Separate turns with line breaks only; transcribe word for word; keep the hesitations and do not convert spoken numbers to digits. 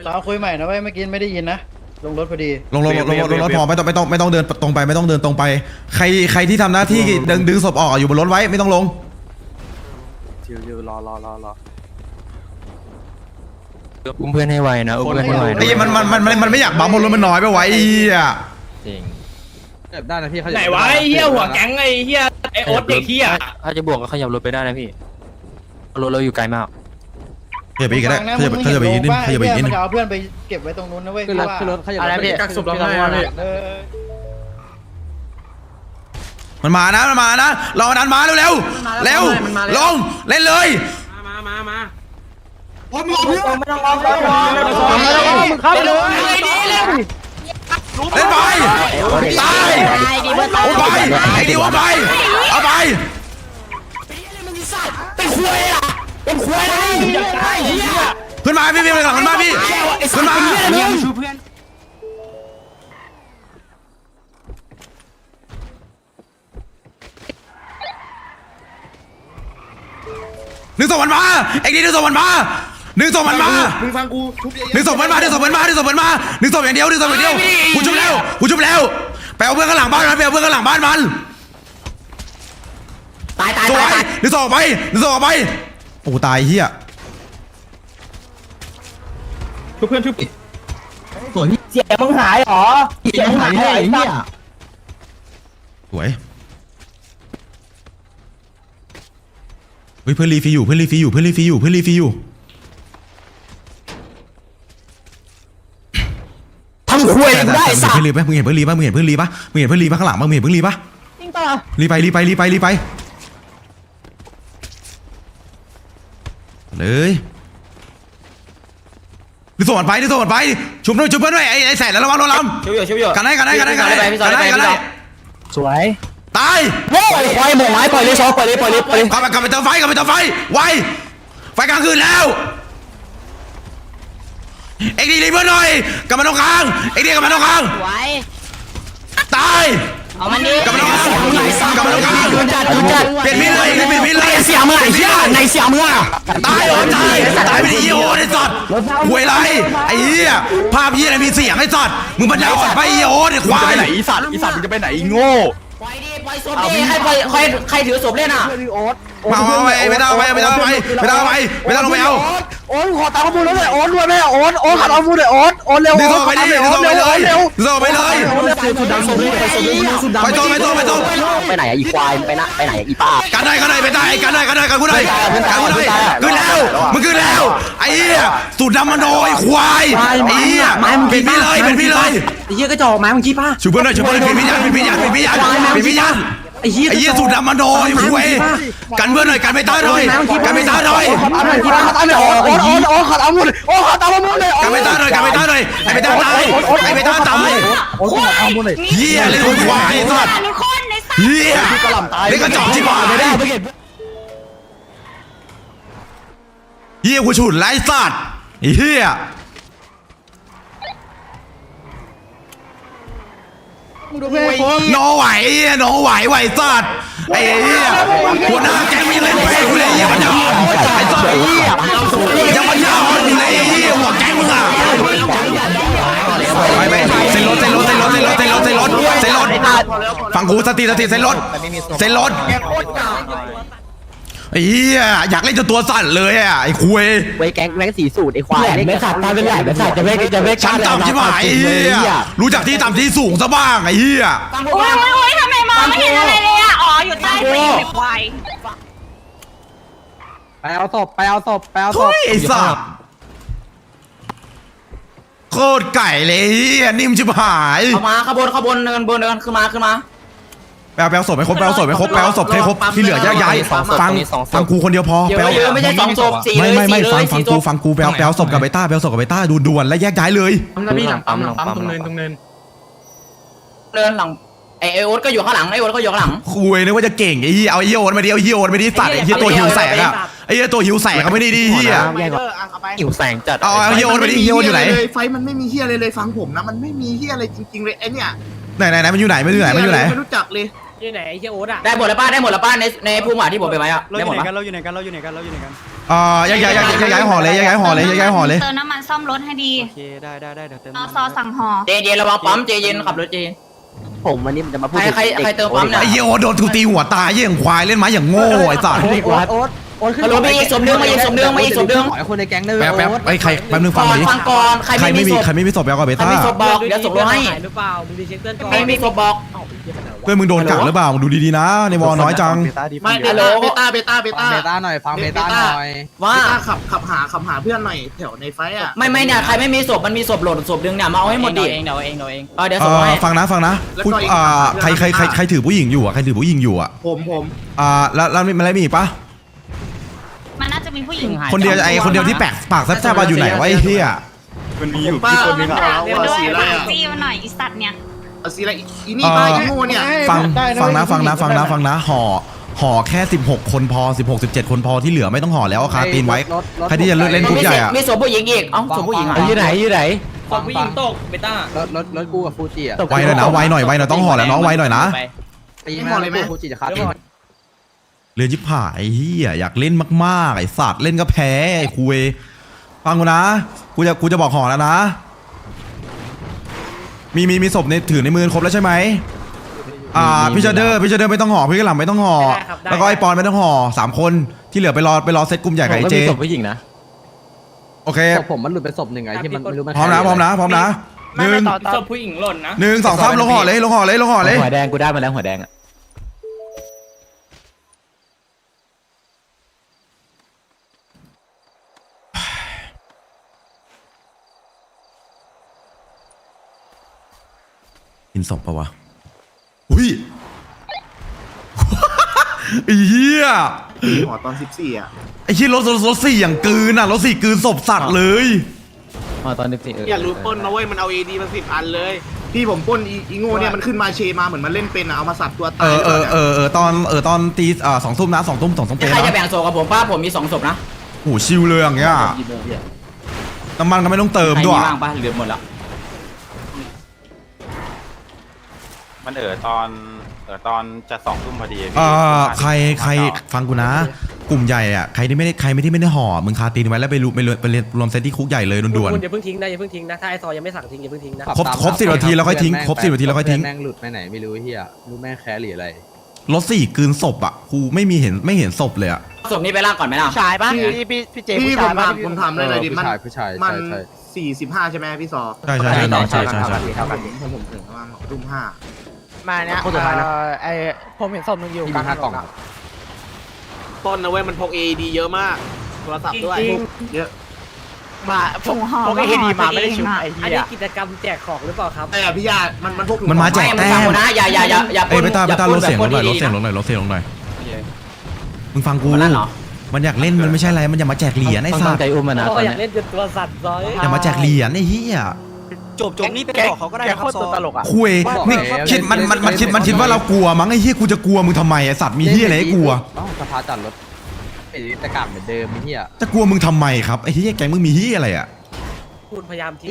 สาวคุยใหม่นะเว้ยเมื่อกี้ไม่ได้ยินนะลงรถพอดี
ลงลงลงลงรถพอไม่ต้องไม่ต้องไม่ต้องเดินตรงไปไม่ต้องเดินตรงไป ใครใครที่ทำหน้าที่ดึงดึงศพออกอยู่บนรถไว้ไม่ต้องลง
ชิวๆรอรอรอรอ
อุ้มเพื่อนให้ไวนะอุ้มเพื่อนให้ไวนะ
ไอ้มันมันมันมันมันไม่อยากบังบนรถมันน้อยไปไว้ไอ้เหี้ย
จริง
ได้นะพี่เขา
ไหนวะไอ้เหี้ยหัวแก๊งไอ้เหี้ยไอ้โอ๊ตเด็กเหี้ย
ถ้าจะบวกก็ขยับรถไปได้นะพี่รถเราอยู่ไกลมาก
ขยับไปอีกก็ได้ขยับขยับไปอีกนิดนึงขยับไปอีกนิดนึ
มัน
ง
จะเอาเพื่อนไปเก็บไว้ตรงนู้นนะเว้ย
ขึ้นรถขึ้นรถขยับอะไรพี่กักศพเราให้พี่
เออ
มันมานะมันมานะรอนั้นมาเร็วเร็วเร็วลงเล่นเลย
มามามา
มึงเข้าเลย
เล่นไปตายโอ้ไปไอ้ดิวเอาไปเอาไปขึ้นมาพี่พี่ไปหลังขึ้นมาพี่ขึ้นมาหนึ่งสองมันมาไอ้ดิหนึ่งสองมันมาหนึ่งสองมันมา
มึงฟังกูทุบเยอะ
หนึ่งศพมันมาหนึ่งศพมันมาหนึ่งศพมันมาหนึ่งศพอย่างเดียวหนึ่งศพอย่างเดียวกูชุบแล้วกูชุบแล้วไปเอาเพื่อนข้างหลังบ้านมันไปเอาเพื่อนข้างหลังบ้านมันตายตายตายหนึ่งศพออกไปหนึ่งศพออกไปโอ้ตายเฮีย
ทุกเพื่อนทุก
เสียมึงหายหรอเสียมึงหายไอ้เนี่ย
สวยเฮ้ยเพื่อนรีฟีอยู่เพื่อนรีฟีอยู่เพื่อนรีฟีอยู่เพื่อนรีฟีอยู่ทำคุยได้สัตว์เพื่อนรีปะมึงเห็นเพื่อนรีปะมึงเห็นเพื่อนรีปะมึงเห็นเพื่อนรีปะข้างหลังมึงเห็นเพื่อนรีปะจริงป่ะรีไปรีไปรีไปรีไปเลยดิส่งมันไปดิส่งมันไปชุบด้วยชุบเพื่อนด้วยไอ้ไอ้แสนแล้วระวังโดนลำ
ชิวอยู่ชิวอยู่
กันได้กันได้กันได้กันได้กันได้กันได้
สวย
ตาย
ปล่อยควายหมกไม้ปล่อยเลยซอปล่อยเลยปล่อยเลยปล่อยเลย
กลับไปกลับไปเติมไฟกลับไปเติมไฟไวไฟกลางคืนแล้วเอ็กดีรีเพื่อนหน่อยกลับมาตรงกลางเอ็กดีกลับมาตรงกลาง
ไว้
ตาย
เอามันดิ
กลับมาตรงกลางกลับมาตรงกลางเปลี่ยนมีดเลยเปลี่ยนมีดเลย
เสียมือไอ้เหี้ยในเสียมือ
ตายโอ้ตายตายไปดิโอ้ไอ้สัตว์หวยไรไอ้เหี้ยภาพเหี้ยอะไรมีเสียงไอ้สัตว์มึงปัญญาอ่อนไปโอ้ไอ้ควาย
อีสัตว์อีสัตว์มึงจะไปไหนโง่
ปล่อยดิปล่อยศพดิให้ปล่อยใครใครถือศพเล่นอ่ะ
มาเอาไปไม่ต้องไปไม่ต้องไปไม่ต้องไปไม่ต้องลงไปเอา
โอนขอตามข้อมูลแล้วเลยโอนด้วยแม่โอนโอนขัดข้อมูลเลยโอนโอนเร็ว
ดึงส่งไปดิดึงส่งไปเลยดึงส่งไปเลย
สุดดำสุดดำสุดดำสุดดำ
ไปตรงไปตรงไปตรง
ไปไหนอะอีควายไปนะไปไหนอะอีป้า
กันได้กันได้ไปได้กันได้กันได้กันกูได้กันกูได้ขึ้นแล้วมึงขึ้นแล้วไอ้เหี้ยสูตรดำมันโดยควายไอ้เหี้ยเป็นพี่เลยเป็นพี่เลย
ไอ้เหี้ยก็จะออกไม้มึงขี้ป้า
ชูเพื่อนหน่อยชูเพื่อนเป็นพี่ยันเป็นพี่ยันเป็นพี่ยันเป็นพี่ยัน
ไอ้เหี้ย
ไอ้เหี้ยสูตรดำมันโดยควายกันเพื่อนหน่อยกันไปต้าหน่อยกันไปต้าหน่อย
ขอตามหน่อยขี้ป้าขอตามหน่อยโอนโอนโอนโอนขอตามข้อมูลโอนขอตามข้อมูลเลย
กันไปต้าหน่อยกันไปต้าหน่อยไอ้ไปต้าตายไอ้ไปต้าตาย
โอนขอตามข้อมูลเลย
เหี้ยเลยควายสัตว์
ทุกคนในสัตว์
เหี้ยเล่นกระจอกชิบหายไม่ได้เหี้ยกูฉุดไล่สัตว์เหี้ยโนไหวเหี้ยโนไหวไหวสัตว์ไอ้เหี้ยหัวหน้าแกไม่เล่นไปกูเลยเหี้ยมันยังไอ้สัตว์ยังมันยาวอยู่เลยเหี้ยหัวแกมึงอ่ะไปไปเซ็นรถเซ็นรถเซ็นรถเซ็นรถเซ็นรถเซ็นรถเซ็นรถฟังกูสติสติเซ็นรถเซ็นรถไอ้เหี้ยอยากเล่นจนตัวสั่นเลยอ่ะไอ้คุย
ไว้แก๊งแก๊งสีสูตรไอ้ควายไม่ขาดตาเป็นใหญ่ไม่ขาดจะไม่จะไม่
ชั้นต่ำชิบหายไอ้เหี้ยรู้จักที่ต่ำที่สูงซะบ้างไอ้เหี้ย
โอ้ยโอ้ยโอ้ยทำไมมองไม่เห็นอะไรเลยอ่ะอ๋ออยู่ใต้ตีนควาย
ไปเอาศพไปเอาศพไปเอาศ
ทุ
พ
ยไอ้สัสโคตรไก่เลยเหี้ยนิ่มชิบหาย
เอามาขบวนขบวนเดินบนเดินขึ้นมาขึ้นมา
แปลแปลศพไปครบแปลศพไปครบแปลศพให้ครบที่เหลือแยกย้ายฟังฟังกูคนเดียวพอ
เย
แปล
อะเยอะไม่ใช่สองศพสี่
ไม่
เลย
ไม่ไม่
สี่เล
ฟัง
ย
ฟัง
สี่ศ
กู
พ
ฟังกูแปลแปลศพกับไบต้าแปลศพกับไบต้าดูด่วนและแยกย้ายเลย
ปั๊มพี่หลังปั๊มหลังปั๊มตรงเนินตรงเนิน
เดินหลังไอโอ๊ตก็อยู่ข้างหลังไอโอ๊ตก็อยู่ข้างหลัง
คุยนึกว่าจะเก่งไอ้เหี้ยเอาไอ้เหี้ยโอนมาดิเอาไอ้เหี้ยโอนมาดิสัตว์ไอ้เหี้ยตัวหิวแสงอะไอ้เหี้ยตัวหิวแสงก็ไม่ได้ดีเหี้ย
หิวแสงจัด
เอาไอ้เหี้ยโอนมาดิเหี้ยโอนอยู่ไหน
ไฟมันไม่มีเฮียเลยเลยฟังผมนะมันไม่มีเฮียอะไรจริงๆเลยไอเนี่ย
ไหนไหนไหนมันอยู่ไหนมันอยู่ไหนมันอยู่ไหน
ไม่รู้จักเลย
ที่ไหนไอ้เหี้ยโอ๊ตอ่ะ
ได้หมดแล้วป้าได้หมดแล้วป้าในในภูมิหมาที่ผมไปไหมอ่ะ
เราอ
ได้หม
ยู่
ด
ไหน
ปะ
กันเราอยู่ไหนกันเราอยู่ไหนกันเราอยู่ไหนกัน
อ่าย้ายย้ายย้ายย้ายห่อเลยย้ายห่อเลยย้ายห่อเลย
เติมน้ำมันซ่อมรถให้ดี
โอเคได้ได้ได้เดี๋ยวเติม
เอาซอสั่งห่อ
เจเย็นระวังปั๊มเจเย็นขับรถเจเย็น
ผมวันนี้มันจะมาพูด
ใครใครใครเติมปั๊มเนี่ย
ไอ้เหี้ยโอโดนกูตีหัวตายเหี้ยอย่างควายเล่นไม้อย่างโง่ไอ้สัตว์
โอ๊ตโอ๊ตโอ๊ตโอ๊ตขึ้น
ฮัลโหลมาอีกสมเดืองมาอีกสมเดืองมาอีกสมเดือง
ขอให้คนในแก๊งได้
แป๊บแป๊บไอ้ใครแป๊บนึงฟัง
ก่อน
ดิ
ฟังก่อนใคร
ใคร
ไม่
ไม่
มี
มี
ศพ
ใครไม่มีศพแล้วก็เบ
ใคร
ต้า
มีศพบอกเดี๋ยวส่งรถให้
หรือเปล่ามึงดีเช็คเตือนก่อน
ใครมีศพบอก
เพื่อนมึงโดนกักหรือเปล่ามึงดูดีๆนะในวอน้อยจัง
ไม่เบต้าเบต้าเบต้าเบ
ฟัง
ต้า
เบต้าหน่อยฟังเบต้าหน่อย
ว่า
เบต้าขับขับหาขับหาเพื่อนหน่อยแถวในไฟอ่ะ
ไม่ไม่เนี่ยใครไม่มีศพมันมีศพโหลดศพดึงเนี่ยมาเอาให้หมดดิเองเดี๋ยวเองเดี๋ยวเองเออเดี๋ยว
เอ
ส่ง
อ
ให้
ฟังนะฟังนะพูดอ่าใครใครใครใครถือผู้หญิงอยู่อ่ะใครถือผู้หญิงอยู่อ่ะ
ผมผม
อ่าแล้วแล้วมีอะไรมีอีกปะ
มันน่าจะมีผู้หญิง
คนเดียวไอ้คนเดียวที่แปลกปากแซ่บๆมาอยู่ไหนวะไอ้เหี้ย
มันมีอยู่
ป้า
เออ
มี
มัน
ข่า
ด่าว เดี๋ยว
ว่า
ด้วย
สีอะไร
ฝาก
อ่ะ
จี้มาหน่อยอีสัตว์เนี่ย
เอาสีอะไรอีนี่ป้าอีโง่เนี่ย
ฟังฟังนะฟังนะฟังนะฟังนะห่อห่อแค่สิบหกคนพอสิบหก สิบเจ็ดคนพอที่เหลือไม่ต้องห่อแล้วเอาคาตีนไว้ใครที่จะเลือกเล่นคุกใหญ่อ่ะ
มีศพผู้หญิงอีกเอ้าศพผู้หญิงอ่ะ
อยู่ไหนอยู่ไหน
ศพผู้หญิงตกเบต้าร
ถรถรถกูกับฟูจิอ่ะ
ไวหน่อยนะไวหน่อยไวหน่อยต้องห่อแล้วน้องไวหน่อยนะ
ตีมาเลยไหมฟูจิจะคัด
เรือนชิบหายเฮียอยากเล่นมากๆไอ้สัตว์เล่นก็แพ้ไอ้คุยฟังกูนะกูจะกูจะบอกห่อแล้วนะ มีมีมีศพในถือในมือครบแล้วใช่ไหมอ่าพี่เชเดอร์พี่เชเดอร์ไม่ต้องห่อพี่กระหล่ำไม่ต้องห่อแล้วก็ไอปอนไม่ต้องห่อสามคนที่เหลือไปรอไปรอเซตกลุ่มใหญ่กับไอเจ
ศพผู้หญิงนะ
โอเค
ศพผมมันหลุดไปศพหนึ่งไงที่มันไม่รู้มัน
พร้อมนะพร้อมนะพร้อมนะหนึ่ง
ศพผู้หญิงหล่นนะ
หนึ่งสองสามลงห่อเลยลงห่อเลยลงห่อเลย
หัวแดงกูได้มาแล้วหัวแดงอ่ะ
กินศพปะวะอุ้ย ไอ้เหี้ย
หอตอนสิบสี่อ่ะ
ไอ้เหี้ยรถรถรถสี่อย่างกลืนอ่ะรถสี่กลืนศพสัตว์เลย
อ๋อตอนนี้สิเออ
อย่ารู้ต้นนะเว้ยมันเอาเอดีมาสิบอันเลย
พี่ผมปล้นอีอีโง่เนี่ยมันขึ้นมาเชมาเหมือนมันเล่นเป็นอ่ะเอามาสับตัว
เอ
ตาย
อเออเออเออตอนเออตอนตีอ่าสองทุ่มนะสองทุ่มสองทุ่มเป๊ะ
ใครจะ
นะ
แบ่งศพกับผมป้าผมมีสองศพนะ
โหชิวเลยอย่างเงี้ยน้ำมันก็ไม่ต้องเติม
ใคร
ด้วย
มีบ้างป้าเหลือหมดแล้ว
มันเออตอนเออตอนจะสองทุ่มพอดี
เอ่อใครใครฟังกูนะ กลุ่มใหญ่อ่ะใครที่ไม่ได้ใครไม่ที่ไม่ได้ห่อมึงคาตีนไว้แล้วไปรูไปรวมไปรวมเซตที่คุกใหญ่เลยด่วน
คุณอย่าเพิ่งทิ้งนะอย่าเพิ่งทิ้งนะถ้าไอซอยังไม่สั่งทิ้งอย่าเพิ่งทิ้งนะ
ครบครบสิบนาทีแล้วค่อยทิ้งครบสิบนาทีแล้วค่อยทิ้ง
แม่งหลุดไปไหนไม่รู้เฮียรู้แม่งแคร์หรืออะไร
รถสี่กลืนศพอ่ะกูไม่มีเห็นไม่เห็นศพเลยอ่ะ
ศพนี้ไปล่างก่อนไหมล่ะ
ชายปะ
พี่พี่พี่เจพี่ผมถามผมถามเลยหน่อยดิ
ผู้
มัน
ชายผู้ชาย
มั
ใช่
น
ใช่
สี่สิบห้าใช่ไหมพี่ซอ
ใช่ใช่ใช่ใช่ใช่ใช่ใช่
ครับผมผมผมถึงประมาณทุ่มห้า
มาเนี้ย
โคตรสุดท้ายนะ
ไอผมเห็นศพมึงอยู่
ที่มีห้ากล่องครับ
ต้นนะเว้ยมันพกเอดีเยอะมากโทรศัพท์ด้วย
เยอะ
มาพ
ถุ
ก
งห่อ
พก
ก็
เอ
ห่
ดี
อ
มา
ตัว
ไม่
เอ
ได้
ง
ชุบ
อ่ะ
ไอ้
อัน
เหี้
นี้
ย
กิจกรรมแจกของหรือเปล่าครับ
ไอ้อะพี่ยามันมันพกถุง
มันมาแจก
ไม่
แต้
ฟัง
ม
กูนะอย่าอย่าอย่าอย่า
เอ้ยไปตาไปตา
อย่
ลดเสียงลงหน่อยลด
ป
เสียงล
น
งหน่อยลดเสียงลงหน่อยมึงฟังกู
คนนั้นเหรอ
มันอยากเล่นมันไม่ใช่อะไรมันอยากมาแจกเหรียญไอ้
ต้อง
สั
ตั้
ต
ง
ว์
ใจอุ้มมันนะต
ก็
อน
อยาก
เนี้ย
เล่นจนตัวสั่นซอย
อยากมาแจกเหรียญไอ้เหี้ย
จบจบนี่ไปบอกเขาก็ได้นะครับตลกอ่ะ
คุยนี่คิดมันมันมันคิดมันคิดว่าเรากลัวมั้งไอ้เหี้ยกูจะกลัวมึงทำไมไอ้สัตว์มีเหี้ยอะไรให้กลัว
เอ้าสภาจัดรถไอ้ตะกาบเหมือนเดิมไอ้เฮีย
จะกลัวมึงทำไมครับไอ้เหี้ยแกงมึงมีเหี้ยอะไรอ่ะ
คุณพยายามทิ้ง